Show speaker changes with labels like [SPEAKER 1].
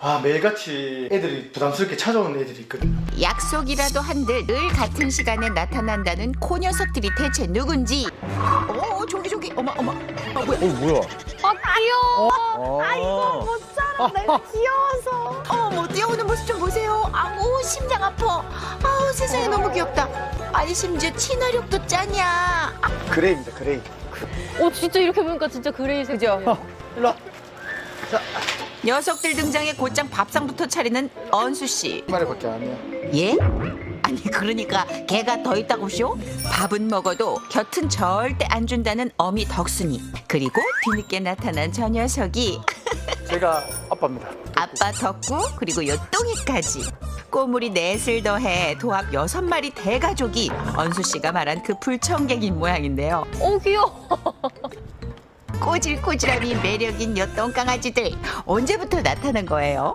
[SPEAKER 1] 매일같이 애들이 부담스럽게 찾아오는 애들이 있거든요.
[SPEAKER 2] 약속이라도 한들 늘 같은 시간에 나타난다는 코 녀석들이 대체 누군지. 저기 어머 뭐야.
[SPEAKER 3] 뭐야?
[SPEAKER 4] 아 귀여워. 아 이거 못 살아. 내가 귀여워서.
[SPEAKER 2] 어머 뛰어오는 모습 좀 보세요. 아우 심장 아파. 아우 세상에 너무 귀엽다. 아니 심지어 친화력도 짜냐.
[SPEAKER 1] 그레이입니다, 그레이.
[SPEAKER 4] 진짜 이렇게 보니까 진짜 그레이색이죠.
[SPEAKER 1] 일로 와.
[SPEAKER 2] 녀석들 등장에 곧장 밥상부터 차리는 언수 씨.
[SPEAKER 1] 한 마리밖에 안 해요.
[SPEAKER 2] 예? 아니 그러니까 개가 더 있다고쇼? 밥은 먹어도 곁은 절대 안 준다는 어미 덕순이. 그리고 뒤늦게 나타난 저 녀석이
[SPEAKER 1] 제가 아빠입니다.
[SPEAKER 2] 아빠 덕구 그리고 요똥이까지. 꼬물이 넷을 더해 도합 6마리 대가족이 언수 씨가 말한 그 불청객인 모양인데요.
[SPEAKER 4] 귀여워.
[SPEAKER 2] 꼬질꼬질함이 매력인 요똥 강아지들 언제부터 나타난 거예요?